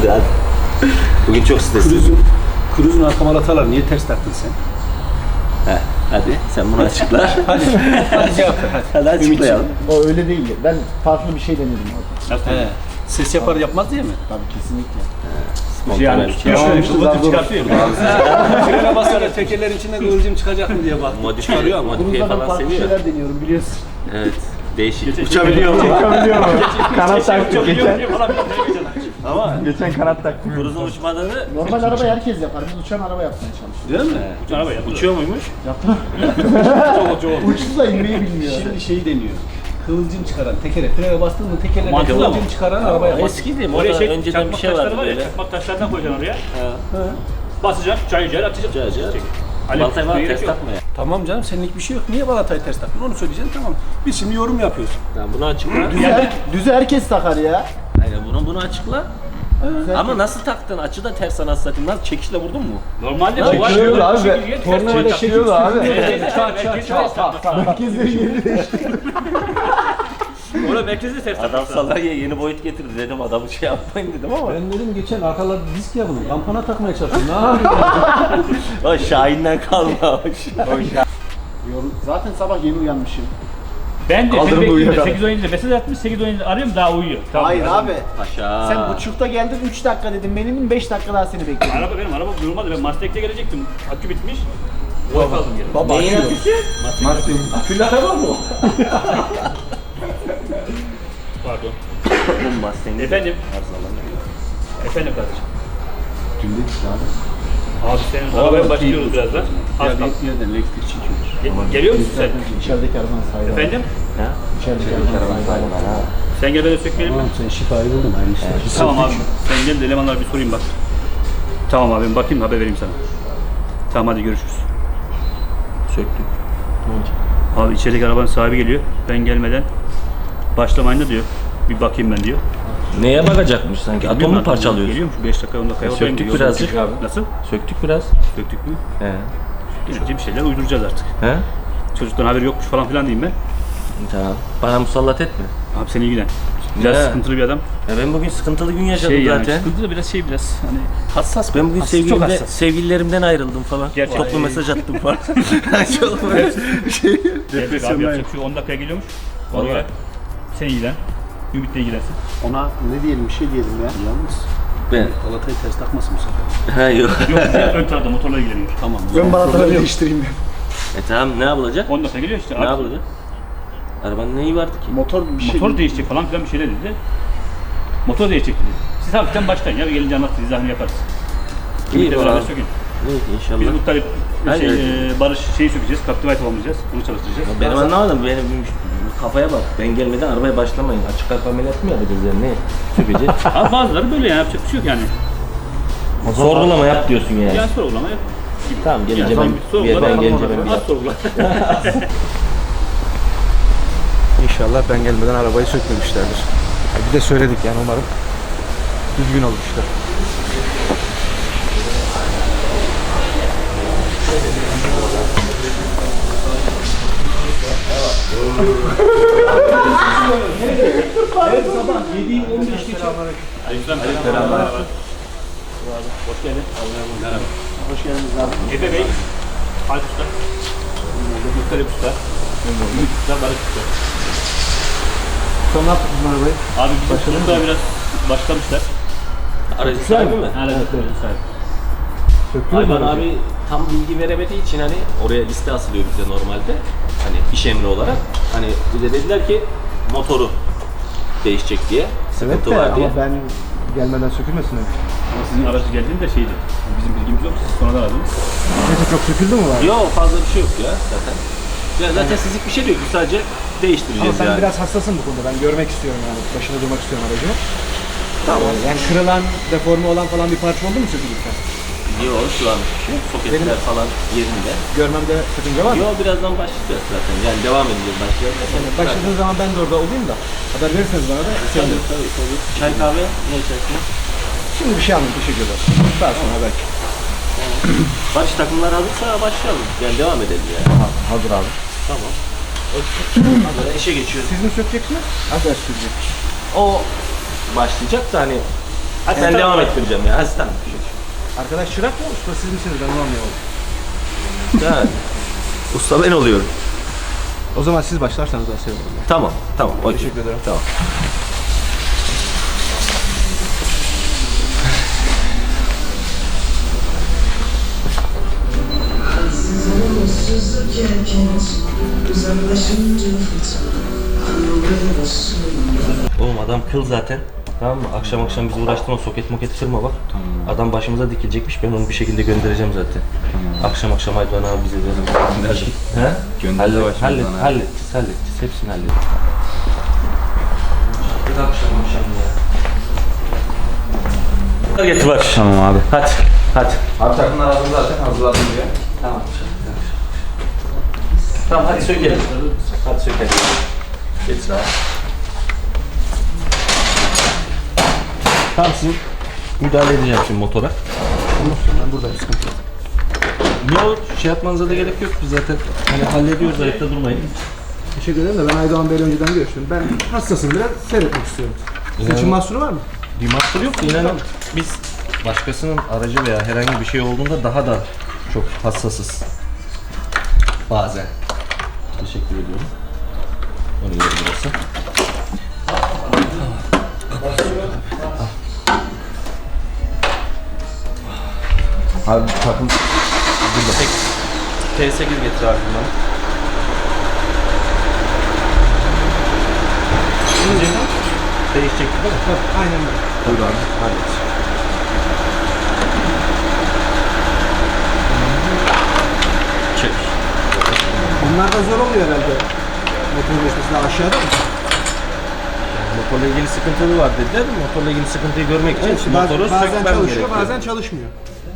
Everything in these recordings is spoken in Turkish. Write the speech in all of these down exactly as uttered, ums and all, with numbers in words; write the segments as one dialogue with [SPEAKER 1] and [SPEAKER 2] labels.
[SPEAKER 1] hadi. Bugün çok stresli.
[SPEAKER 2] Kruzun, kruzun arka malatalar niye ters taktın sen?
[SPEAKER 1] Heh, hadi sen bunu açıkla.
[SPEAKER 2] Hadi, hadi cevap ver hadi.
[SPEAKER 1] Hadi açıklayalım.
[SPEAKER 3] O öyle değil. Ben farklı bir şey denedim orada.
[SPEAKER 2] Nasıl? He. Ses yapar yapmaz diye mi?
[SPEAKER 3] Tabii kesinlikle.
[SPEAKER 1] Spontane
[SPEAKER 2] Yani
[SPEAKER 1] bir şey.
[SPEAKER 2] kıvılcım çıkartıyor. Frene basarak tekerlerin içinde kıvılcım çıkacak mı diye bak.
[SPEAKER 1] Modifiye,
[SPEAKER 2] Çıkarıyor ama.
[SPEAKER 1] modifiye
[SPEAKER 3] Bunlardan
[SPEAKER 1] falan
[SPEAKER 3] farklı
[SPEAKER 1] seviyor.
[SPEAKER 3] şeyler deniyorum biliyorsun.
[SPEAKER 1] Evet. Değişik.
[SPEAKER 2] Uçabiliyor mu?
[SPEAKER 3] Uçabiliyor mu? Kanat taktık geçen.
[SPEAKER 2] Ama
[SPEAKER 3] Geçen kanat taktık.
[SPEAKER 1] Kruzun uçmadığını
[SPEAKER 3] Normal araba herkes yapar. Biz uçan araba yapmaya çalışıyoruz.
[SPEAKER 2] değil mi?
[SPEAKER 1] araba uçuyor muymuş?
[SPEAKER 2] Çok çok.
[SPEAKER 3] Uçsuz da inmeyi bilmiyor.
[SPEAKER 2] Şimdi şeyi deniyor. Kıvılcım çıkaran tekere frene bastın mı tekerlerine
[SPEAKER 4] Mantıklı
[SPEAKER 2] kıvılcım
[SPEAKER 4] ama.
[SPEAKER 2] çıkaran araba yapar.
[SPEAKER 1] Eskiydi.
[SPEAKER 4] Oraya
[SPEAKER 1] Orada
[SPEAKER 4] şey,
[SPEAKER 1] önceden bir
[SPEAKER 4] çakmak
[SPEAKER 1] şey
[SPEAKER 4] taşları
[SPEAKER 1] vardı
[SPEAKER 4] var ya,
[SPEAKER 1] böyle.
[SPEAKER 4] çakmak taşlardan koyacaksın oraya.
[SPEAKER 1] Ha.
[SPEAKER 4] Basacaksın, çay cayır atacaksın.
[SPEAKER 1] Cayır cayır.
[SPEAKER 4] Çek. Ali,
[SPEAKER 1] Baltayı var
[SPEAKER 4] gerek
[SPEAKER 1] ters
[SPEAKER 4] yok.
[SPEAKER 1] takma ya.
[SPEAKER 2] Tamam canım senlik bir şey yok. Niye balatayı ters taktın? Onu söyleyeceksin tamam. Biz şimdi yorum yapıyoruz.
[SPEAKER 1] Tamam bunu açıkla.
[SPEAKER 3] Düzü, her, düzü herkes takar ya.
[SPEAKER 1] Aynen bunu bunu açıkla. Ama nasıl taktın? Açı da ters anasını satayım. Nasıl çekişle vurdun mu?
[SPEAKER 4] Normalde
[SPEAKER 3] Ya
[SPEAKER 4] bu var.
[SPEAKER 3] çekiyordu abi.
[SPEAKER 4] Çekirge, ters
[SPEAKER 3] Tornavida
[SPEAKER 4] çekiyor.
[SPEAKER 3] çekiyordu abi.
[SPEAKER 4] Çat çat çat.
[SPEAKER 3] Herkesleri yeri değişti.
[SPEAKER 4] Orada merkezde ters
[SPEAKER 1] Adam
[SPEAKER 4] takmak.
[SPEAKER 1] salaryaya yeni boyut getirdi dedim adamı şey yapmayın dedim ama.
[SPEAKER 2] Ben dedim geçen arkalarda disk yapalım. Kampana takmaya çalıştım. Ne yapayım?
[SPEAKER 1] O Şahin'den kalmamış.
[SPEAKER 3] Yorum- Zaten sabah yeni uyanmışım.
[SPEAKER 4] Ben de
[SPEAKER 3] Kaldırımda
[SPEAKER 4] seni bekliyorum.
[SPEAKER 3] uyuyor.
[SPEAKER 4] sekiz on yedide mesaj atmış, sekiz on yedide arıyorum daha uyuyor. Tamam.
[SPEAKER 3] Hayır abi.
[SPEAKER 1] Paşa.
[SPEAKER 3] Sen buçukta geldin üç dakika dedim. Benim beş dakika daha seni bekliyorum.
[SPEAKER 4] Araba benim araba durmadı. Ben Mustang'de gelecektim. Akü bitmiş. Oy kaldım geri.
[SPEAKER 3] Baba
[SPEAKER 1] Neyin
[SPEAKER 3] açıyor.
[SPEAKER 1] aküsü?
[SPEAKER 2] Akülü araba mı o?
[SPEAKER 4] Pardon.
[SPEAKER 1] Bu Mustang'de.
[SPEAKER 4] Efendim? Efendim kardeşim.
[SPEAKER 3] Dün dedik abi.
[SPEAKER 4] Abi senin arabaya başlıyoruz birazdan. Az
[SPEAKER 2] Ya
[SPEAKER 4] kaldı.
[SPEAKER 2] bir yerden elektrik çekiyor.
[SPEAKER 4] Ge- Geliyor musun sen?
[SPEAKER 3] İçerideki arabanın sahibi.
[SPEAKER 4] Efendim?
[SPEAKER 1] Ha?
[SPEAKER 3] İçerideki arabanın sahibi.
[SPEAKER 4] Sen gel ben de sökmeyelim mi?
[SPEAKER 2] Tamam sen şifayı buldun aynı işte.
[SPEAKER 4] Tamam abi. Sen gel de elemanlara bir sorayım bak. Tamam abi bakayım haber vereyim sana. Tamam hadi görüşürüz.
[SPEAKER 1] Söktük.
[SPEAKER 4] Abi içerideki arabanın sahibi geliyor. Ben gelmeden başlamayın da diyor. Bir bakayım ben diyor.
[SPEAKER 1] Neye bakacakmış sanki? Atom mu parçalıyorsun?
[SPEAKER 4] Geliyormuş beş dakika on dakika oradayım
[SPEAKER 1] Söktük
[SPEAKER 4] diyor.
[SPEAKER 1] birazcık.
[SPEAKER 4] Nasıl?
[SPEAKER 1] Söktük biraz.
[SPEAKER 4] Söktük mü?
[SPEAKER 1] He.
[SPEAKER 4] Gelince bir şeyler uyduracağız artık.
[SPEAKER 1] He?
[SPEAKER 4] Çocuktan haberi yokmuş falan filan diyeyim ben.
[SPEAKER 1] Tamam. Bana musallat etme.
[SPEAKER 4] Abi seni ilgilen. Biraz
[SPEAKER 1] Ne?
[SPEAKER 4] sıkıntılı bir adam.
[SPEAKER 1] Ya ben bugün sıkıntılı gün yaşadım
[SPEAKER 4] Şey yani
[SPEAKER 1] zaten.
[SPEAKER 4] sıkıntılı biraz şey biraz hani hassas.
[SPEAKER 1] Ben bugün
[SPEAKER 4] hassas, çok
[SPEAKER 1] sevgilimde,
[SPEAKER 4] hassas.
[SPEAKER 1] sevgililerimden ayrıldım falan.
[SPEAKER 4] Gerçekten.
[SPEAKER 1] Toplu mesaj attım falan. Çok böyle şey.
[SPEAKER 4] Gelecek abi yapacak şu on dakikaya geliyormuş. Ona göre sen ilgilen. Ümit'le ilgilensin.
[SPEAKER 3] Ona ne diyelim bir şey diyelim ya.
[SPEAKER 2] Yalnız
[SPEAKER 1] Ben.
[SPEAKER 2] balatayı ters takmasın bu sefer.
[SPEAKER 1] Ha yok.
[SPEAKER 4] Yok ön tarafta motorla ilgileniyor.
[SPEAKER 2] Tamam.
[SPEAKER 3] Ön balataları değiştireyim ben.
[SPEAKER 1] E tamam ne yapılacak?
[SPEAKER 4] on dakika geliyor işte.
[SPEAKER 1] Ne
[SPEAKER 4] Abi,
[SPEAKER 1] yapılacak? Arabanın neyi vardı ki?
[SPEAKER 3] Motor bir şey.
[SPEAKER 4] motor değişecek falan filan bir şeyler dedi. Motor değişecek dedi. Siz hafiften başlayın ya gelince anlatırız, izahını yaparız.
[SPEAKER 1] İyi
[SPEAKER 4] Ümit'le beraber
[SPEAKER 1] bakalım.
[SPEAKER 4] sökün.
[SPEAKER 1] Evet inşallah.
[SPEAKER 4] Biz Muttalip
[SPEAKER 1] Hayır,
[SPEAKER 4] şey,
[SPEAKER 1] evet.
[SPEAKER 4] e, Barış şeyi sökeceğiz, Captivate alacağız, onu çalıştıracağız.
[SPEAKER 1] Benim anlamadım. Benim kafaya bak. Ben gelmeden arabaya başlamayın. Açık kalp ameliyatı mı yapacağız yani? Ne? Sökeceğiz.
[SPEAKER 4] Abi bazıları böyle yani yapacak bir şey yok yani.
[SPEAKER 1] Sorgulama yap diyorsun yani.
[SPEAKER 4] Yani sorgulama yap.
[SPEAKER 1] Tamam gelince
[SPEAKER 4] Yani
[SPEAKER 1] ben, bir ben gelince ben bir
[SPEAKER 4] Az sorgula.
[SPEAKER 5] İnşallah ben gelmeden arabayı sökmemişlerdir. Bir de söyledik yani umarım düzgün olur işler.
[SPEAKER 2] Her sabah yedi on beş geçe.
[SPEAKER 4] Merhaba. Hoş geldin. Merhaba.
[SPEAKER 3] Hoş geldiniz abi.
[SPEAKER 4] Efe Bey, Alp Usta. Muttalip Usta. Ümit Usta, Barış Usta.
[SPEAKER 3] Sonra ne yaptık bu arabayı?
[SPEAKER 4] Abi bizim burada biraz başlamışlar.
[SPEAKER 1] Aracı sahibi mi?
[SPEAKER 4] Evet, evet. Sahibi.
[SPEAKER 1] Hayvan abi tam bilgi veremediği için hani oraya liste asılıyor bize normalde. Hani iş emri olarak. Hani bize dediler ki motoru değişecek diye. Sıkıntı var diye.
[SPEAKER 5] ama ben gelmeden sökülmesin mi?
[SPEAKER 4] Ama sizin aracı geldiğinde şeydi. Bizim bilgimiz yok. Siz sonradan aradınız.
[SPEAKER 5] Neyse çok söküldü mü var?
[SPEAKER 1] Yok fazla bir şey yok ya zaten. Ya zaten sizlik bir şey değil. Biz sadece
[SPEAKER 5] Ama
[SPEAKER 1] değiştireceğiz
[SPEAKER 5] ben
[SPEAKER 1] yani.
[SPEAKER 5] biraz hassasım bu konuda. Ben görmek istiyorum yani. Başında durmak istiyorum aracımı. Tamam. Yani kırılan, deforme olan falan bir parça oldu mu sökülürken?
[SPEAKER 1] Yok şu an bir şey yok. Soketler
[SPEAKER 5] Benim-
[SPEAKER 1] falan yerinde.
[SPEAKER 5] Görmemde sakınca var mı?
[SPEAKER 1] Yok birazdan başlayacağız zaten. Yani devam edeceğiz başlayacağız.
[SPEAKER 5] Yani başladığın zaman ben de orada olayım da haber verirseniz bana da
[SPEAKER 1] Tabii
[SPEAKER 5] sevinirim.
[SPEAKER 1] tabii tabii. Çay kahve ne içersin?
[SPEAKER 5] Şimdi bir şey anladım. Teşekkür ederim. Daha sonra belki.
[SPEAKER 1] Barış takımlar hazırsa başlayalım. Yani devam edelim yani.
[SPEAKER 5] Ha, hazır abi.
[SPEAKER 1] Tamam. Böyle işe geçiyoruz.
[SPEAKER 5] Siz mi sökeceksiniz? Arkadaş sökecek.
[SPEAKER 1] O başlayacak da hani Hadi ben devam ettireceğim ya. Hadi tamam.
[SPEAKER 5] Arkadaş çırak mı? Usta siz misiniz? Ben onu anlayamadım.
[SPEAKER 1] Ya, usta ben oluyorum.
[SPEAKER 5] O zaman siz başlarsanız daha sevinirim.
[SPEAKER 1] Tamam, tamam. okey.
[SPEAKER 5] Teşekkür ederim.
[SPEAKER 1] Tamam. Oğlum adam kıl zaten. Tamam mı? Akşam akşam bizi uğraştırma, soket moket kırma bak. Tamam. Adam başımıza dikilecekmiş, ben onu bir şekilde göndereceğim zaten. Tamam. Akşam akşam Aydoğan abi bize verir. He?
[SPEAKER 6] Gönder de başımızdan
[SPEAKER 1] hallet,
[SPEAKER 6] abi.
[SPEAKER 1] halledeceğiz, halledeceğiz. Hepsini halledeceğiz. Bir akşam akşam ya. Hadi getir bak.
[SPEAKER 6] Tamam abi.
[SPEAKER 1] Hadi, hadi.
[SPEAKER 6] Abi takımlar hazır zaten, hazırladım diye.
[SPEAKER 1] Tamam. Tamam hadi sökelim. Hadi sökelim. Getir abi. Tamam sizin müdahale edeceğim şimdi motora.
[SPEAKER 5] Ben buradayım, sıkıntı yok.
[SPEAKER 1] Yok şey yapmanıza da gerek yok. Biz zaten hani hallediyoruz, ayakta durmayın.
[SPEAKER 5] Teşekkür ederim de ben Aydoğan Bey'le önceden görüştüm. Ben hassasım biraz, seyretmek istiyorum. Sizin için mahsuru var mı?
[SPEAKER 1] Bir mahsur yok. İnanın biz başkasının aracı veya herhangi bir şey olduğunda daha da çok hassasız. Bazen. Teşekkür ediyorum. Onu yeri burası.
[SPEAKER 6] Abi takım
[SPEAKER 1] T sekiz getir abi bana. Değişecekti değil mi?
[SPEAKER 5] Tabii, aynen böyle.
[SPEAKER 1] Buyur abi. Hallet. Çek.
[SPEAKER 5] Bunlar da zor oluyor herhalde. Motorun geçmesi daha aşağıda mı?
[SPEAKER 1] Motorla ilgili sıkıntılı var dediler. Motorla ilgili sıkıntıyı görmek için
[SPEAKER 5] Evet,
[SPEAKER 1] motoru
[SPEAKER 5] bazen
[SPEAKER 1] sökmem
[SPEAKER 5] çalışıyor,
[SPEAKER 1] gerekiyor.
[SPEAKER 5] bazen çalışmıyor.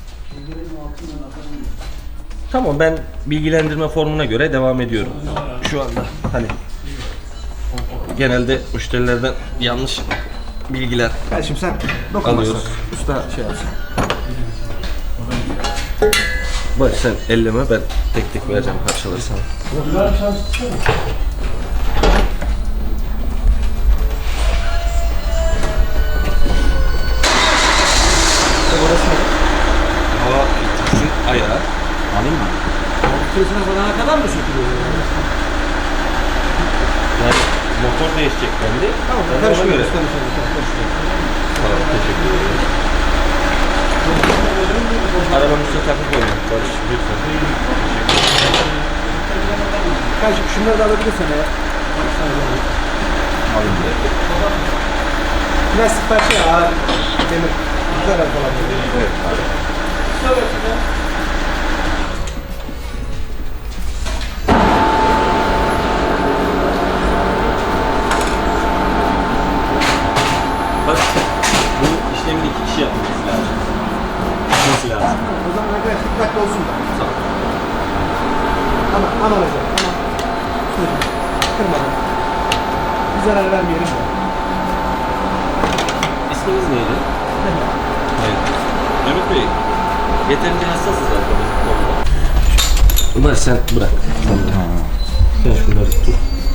[SPEAKER 1] Tamam ben bilgilendirme formuna göre devam ediyorum. Şu anda hani genelde müşterilerden yanlış bilgiler
[SPEAKER 5] Gel şimdi sen dokunmasın.
[SPEAKER 1] alıyoruz.
[SPEAKER 5] Usta şey yapsın.
[SPEAKER 1] Bak sen elleme ben tek tek vereceğim parçaları sana. Hava filtresi ayağı. Alayım mı?
[SPEAKER 5] Filtresine falan kadar mı sökülüyor?
[SPEAKER 1] Yani motor değişecek bende.
[SPEAKER 5] Tamam,
[SPEAKER 1] Ben de ona
[SPEAKER 5] karışmıyoruz,
[SPEAKER 1] göre-
[SPEAKER 5] karışmıyoruz, karışmıyoruz.
[SPEAKER 1] Tamam, teşekkür ederim. Arabanın üstüne takıp koyuyorum. Barış, lütfen.
[SPEAKER 5] Kardeşim şunları da alabilirsen eğer.
[SPEAKER 1] Alayım bir de.
[SPEAKER 5] Plastik parça ya, ağır demir. Zarar falan böyle.
[SPEAKER 1] Evet abi. Bak, bu işlemin iki kişi yapması lazım. Yapması lazım.
[SPEAKER 5] O zaman arkadaş dikkatli olsun da. Ama aman hocam, aman. Şöyle, kırmadan. Bir zarar vermeyelim de.
[SPEAKER 1] İsminiz neydi? Hayır. Ümit Bey, yeterince hassasız zaten bu konuda. Ömer sen bırak. Sen şunları tut.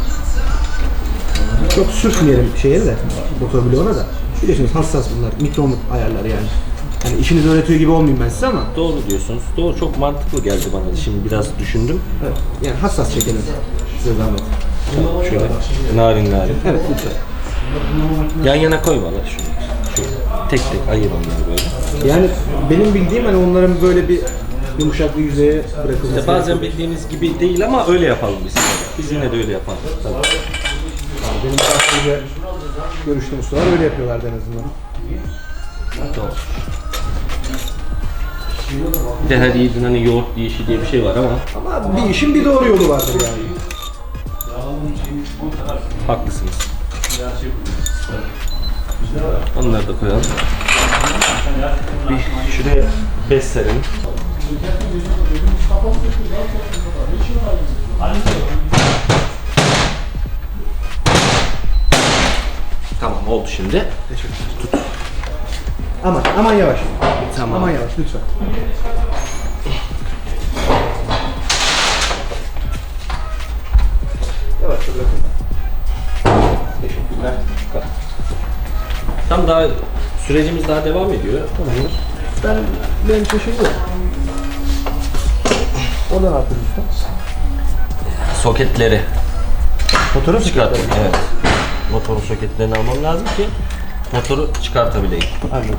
[SPEAKER 5] Çok sürtmeyelim şeye de, motor bloğuna da. Biliyorsunuz hassas bunlar, mikron ayarları yani. Yani işinizi öğretiyor gibi olmayayım ben size ama.
[SPEAKER 1] Doğru diyorsunuz. Doğru, çok mantıklı geldi bana. Şimdi biraz düşündüm.
[SPEAKER 5] Evet, yani hassas çekelim size zahmet.
[SPEAKER 1] Şöyle narin narin.
[SPEAKER 5] Evet lütfen.
[SPEAKER 1] Yan yana koy bana şunu. Şöyle. Tek tek ayır onları böyle.
[SPEAKER 5] Yani benim bildiğim hani onların böyle bir yumuşak bir yüzeye bırakılması.
[SPEAKER 1] İşte bazen bildiğiniz gibi değil ama öyle yapalım biz. Biz yine de öyle yapalım. Tabii.
[SPEAKER 5] Benim daha önce görüştüğüm ustalar öyle yapıyorlardı en azından.
[SPEAKER 1] Doğru. Bir de her yiğidin hani yoğurt yiyişi diye bir şey var ama
[SPEAKER 5] Ama bir işin bir doğru yolu vardır yani.
[SPEAKER 1] haklısınız. Onları da koyalım. Bir şuraya bez serelim. Tamam oldu şimdi.
[SPEAKER 5] Aman, aman yavaş.
[SPEAKER 1] Tamam.
[SPEAKER 5] Aman yavaş lütfen. Yavaş bırakın. Teşekkürler.
[SPEAKER 1] Tam daha Sürecimiz daha devam ediyor.
[SPEAKER 5] Ben benim için şey yok. O da ne yapıyoruz usta?
[SPEAKER 1] Soketleri
[SPEAKER 5] Motoru mu
[SPEAKER 1] çıkartın. Evet. Motorun soketlerini almam lazım ki motoru çıkartabileyim.
[SPEAKER 5] Anladım.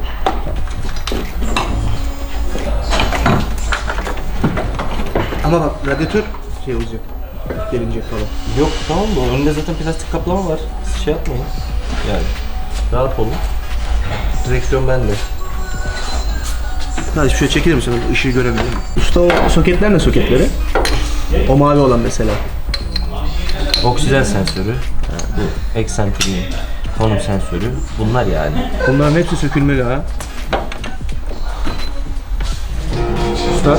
[SPEAKER 5] Ama bak radyatör şey olacak. Gelinecek falan.
[SPEAKER 1] Yok tamam mı? Önünde zaten plastik kaplama var. Siz şey yapmayın. Yani rahat olun. Direksiyon bende.
[SPEAKER 5] Hadi şöyle çekilir misin? Işığı görebilirim. Usta o soketler ne soketleri? O mavi olan mesela.
[SPEAKER 1] Oksijen sensörü, ha, bu eksentriğin konum sensörü. Bunlar yani.
[SPEAKER 5] Bunların hepsi sökülmeli ha. Usta.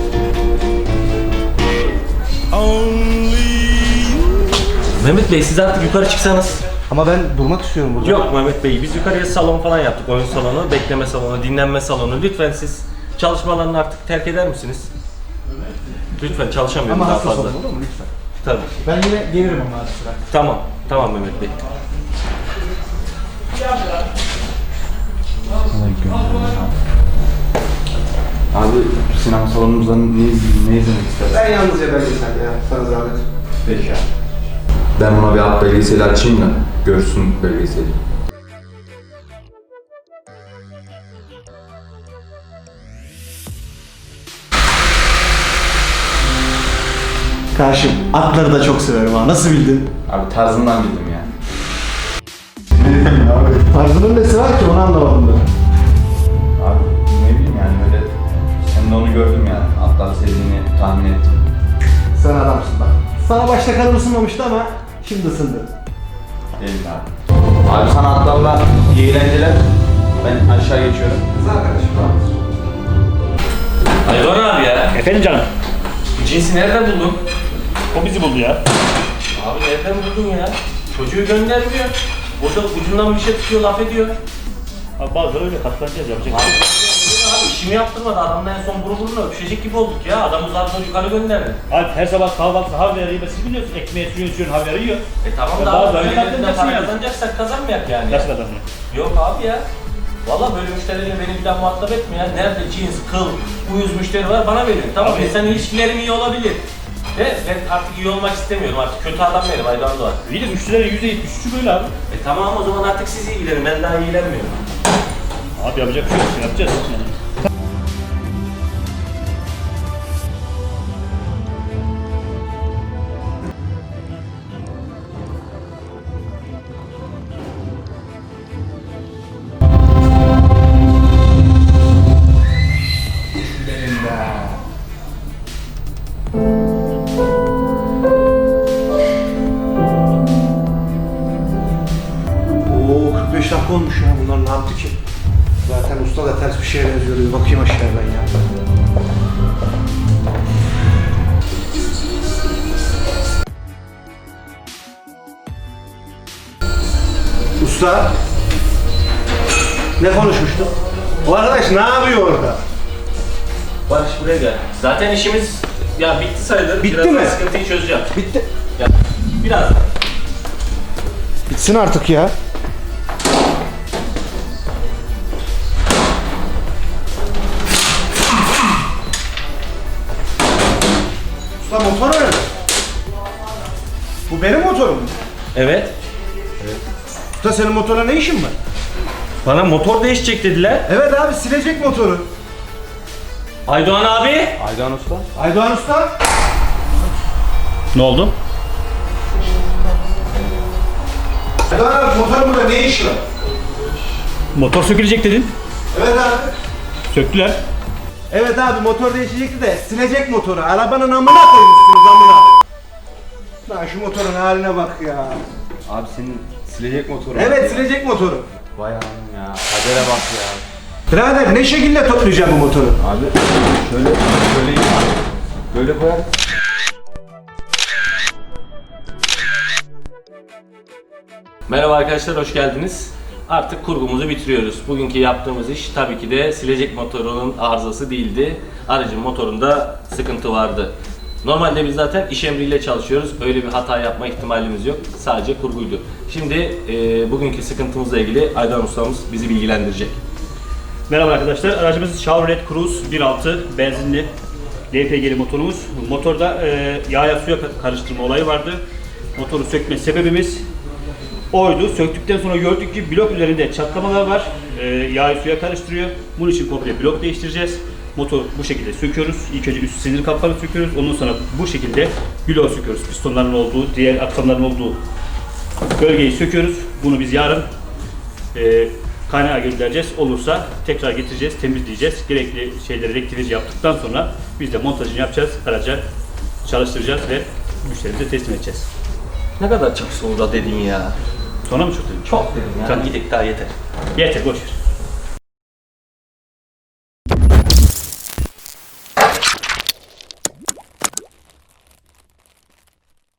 [SPEAKER 1] Mehmet Bey siz artık yukarı çıksanız.
[SPEAKER 5] Ama ben durmak istiyorum burada.
[SPEAKER 1] Yok Mehmet Bey, biz yukarıya salon falan yaptık. Oyun salonu, bekleme salonu, dinlenme salonu. Lütfen siz çalışmalarını artık terk eder misiniz? Lütfen çalışamıyorum
[SPEAKER 5] Ama
[SPEAKER 1] daha
[SPEAKER 5] hassas
[SPEAKER 1] fazla.
[SPEAKER 5] olun, olur mu lütfen?
[SPEAKER 1] Tabii.
[SPEAKER 5] Ben yine gelirim ama ara sıra.
[SPEAKER 1] Tamam. Tamam Mehmet Bey.
[SPEAKER 6] Abi sinema salonumuzdan ne, ne izlemek istersin?
[SPEAKER 5] Ben yalnızca belgesel ya. Sana zahmet.
[SPEAKER 6] Peki abi. Ben ona bir alt belgeseli açayım da görsün belgeseli.
[SPEAKER 3] Karşım atları da çok severim ha. Nasıl bildin?
[SPEAKER 6] Abi tarzından bildim yani.
[SPEAKER 3] Tarzının nesi var ki onu anlamadım ben.
[SPEAKER 6] Abi ne bileyim yani öyle sen de onu gördüm yani atlar sevdiğini tahmin ettim.
[SPEAKER 3] Sen adamsın bak. Sana başta kanım ısınmamıştı ama şimdi ısındı.
[SPEAKER 6] Değil abi. Abi sana atlarla iyi eğlenceler. Ben aşağı geçiyorum.
[SPEAKER 5] Kız arkadaşım var.
[SPEAKER 1] Hayvan abi ya.
[SPEAKER 4] Efendim canım.
[SPEAKER 1] Bu cinsi nereden buldun?
[SPEAKER 4] O bizi buldu ya.
[SPEAKER 1] Abi nereden buldun ya? Çocuğu göndermiyor. Burada ucundan bir şey tutuyor, laf ediyor.
[SPEAKER 4] Abi bazıları öyle katlanacağız yapacak.
[SPEAKER 1] Abi, abi işimi yaptırmadı. Adamla en son buru buruna öpüşecek gibi olduk ya. Adamı zaten yukarı gönderdi.
[SPEAKER 4] Abi her sabah kahvaltıda havyarı yiyor. Siz biliyorsun ekmeğe suyun suyun havyarı yiyor.
[SPEAKER 1] E tamam
[SPEAKER 4] Ya
[SPEAKER 1] da
[SPEAKER 4] bazı
[SPEAKER 1] abi
[SPEAKER 4] öyle
[SPEAKER 1] böyle elinden
[SPEAKER 4] katlanacak
[SPEAKER 1] para
[SPEAKER 4] yani.
[SPEAKER 1] kazanacaksak kazanmayak yani.
[SPEAKER 4] Nasıl kazanıyor?
[SPEAKER 1] Yok abi ya. Valla böyle müşteriyle beni bir daha muhatap etme ya. Nerede cins, kıl, uyuz müşteri var bana verin. Tamam
[SPEAKER 4] Abi-
[SPEAKER 1] insan ilişkilerim iyi olabilir. De ben artık iyi olmak istemiyorum artık. Kötü adam benim Aydan Doğan.
[SPEAKER 4] İyi de müşterilerin yüzde yetmiş üçü böyle abi.
[SPEAKER 1] E tamam o zaman artık siz ilgilenin. Ben daha ilgilenmiyorum.
[SPEAKER 4] Abi yapacak bir şey yok. Yapacağız. Yani.
[SPEAKER 5] Oo kırk beş dakika olmuş ya. Bunlar ne yaptı ki? Zaten usta da ters bir şeye benziyor. Bir bakayım aşağıya ben ya. Usta. Ne konuşmuştuk? O arkadaş ne yapıyor orada?
[SPEAKER 1] Barış buraya gel. Zaten işimiz ya bitti sayılır.
[SPEAKER 5] Bitti
[SPEAKER 1] Birazdan
[SPEAKER 5] mi?
[SPEAKER 1] sıkıntıyı çözeceğim.
[SPEAKER 5] Bitti.
[SPEAKER 1] Ya, birazdan.
[SPEAKER 5] Bitsin artık ya. Usta motor nerede? Bu benim motorum.
[SPEAKER 1] Evet.
[SPEAKER 5] Usta senin motorla ne işin var?
[SPEAKER 1] Bana motor değişecek dediler.
[SPEAKER 5] Evet abi silecek motoru.
[SPEAKER 1] Aydoğan abi.
[SPEAKER 6] Aydan Usta.
[SPEAKER 5] Aydoğan Usta.
[SPEAKER 4] Ne oldu?
[SPEAKER 5] Aydoğan abi motorun burada ne işi var?
[SPEAKER 4] Motor sökülecek dedin.
[SPEAKER 5] Evet abi.
[SPEAKER 4] Söktüler.
[SPEAKER 5] Evet abi motor değişecekti de silecek motoru. Arabanın amına koymuşsunuz amına. Lan şu motorun haline bak ya.
[SPEAKER 6] Abi senin silecek motoru.
[SPEAKER 5] Evet silecek motoru.
[SPEAKER 6] Vay anam ya. Kadere bak ya.
[SPEAKER 5] Birader ne şekilde toplayacağım bu motoru?
[SPEAKER 6] Abi şöyle şöyle böyle koyar.
[SPEAKER 1] Merhaba arkadaşlar, hoş geldiniz. Artık kurgumuzu bitiriyoruz. Bugünkü yaptığımız iş tabii ki de silecek motorunun arızası değildi. Aracın motorunda sıkıntı vardı. Normalde biz zaten iş emriyle çalışıyoruz. Öyle bir hata yapma ihtimalimiz yok. Sadece kurguydu. Şimdi e, bugünkü sıkıntımızla ilgili Aydan ustamız bizi bilgilendirecek.
[SPEAKER 4] Merhaba arkadaşlar, aracımız Chevrolet Cruze bir altı benzinli L P G'li motorumuz. Motorda e, yağ suya karıştırma olayı vardı. Motoru sökme sebebimiz oydu. Söktükten sonra gördük ki blok üzerinde çatlamalar var. E, yağı suya karıştırıyor. Bunun için komple blok değiştireceğiz. Motor bu şekilde söküyoruz. İlk önce üst sinir kaplarını söküyoruz. Ondan sonra bu şekilde bloğu söküyoruz. Pistonların olduğu, diğer aksamların olduğu bölgeyi söküyoruz. Bunu biz yarın e, kaynağa göndereceğiz. Olursa tekrar getireceğiz, temizleyeceğiz. Gerekli şeyleri rektifize yaptıktan sonra biz de montajını yapacağız. Araca çalıştıracağız ve müşterimize teslim edeceğiz.
[SPEAKER 1] Ne kadar çok sonra dedin ya.
[SPEAKER 4] Sonra mı çok dedim?
[SPEAKER 1] Çok dedim ya.
[SPEAKER 4] Tamam.
[SPEAKER 1] Gidelim daha yeter.
[SPEAKER 4] Yeter, boş ver.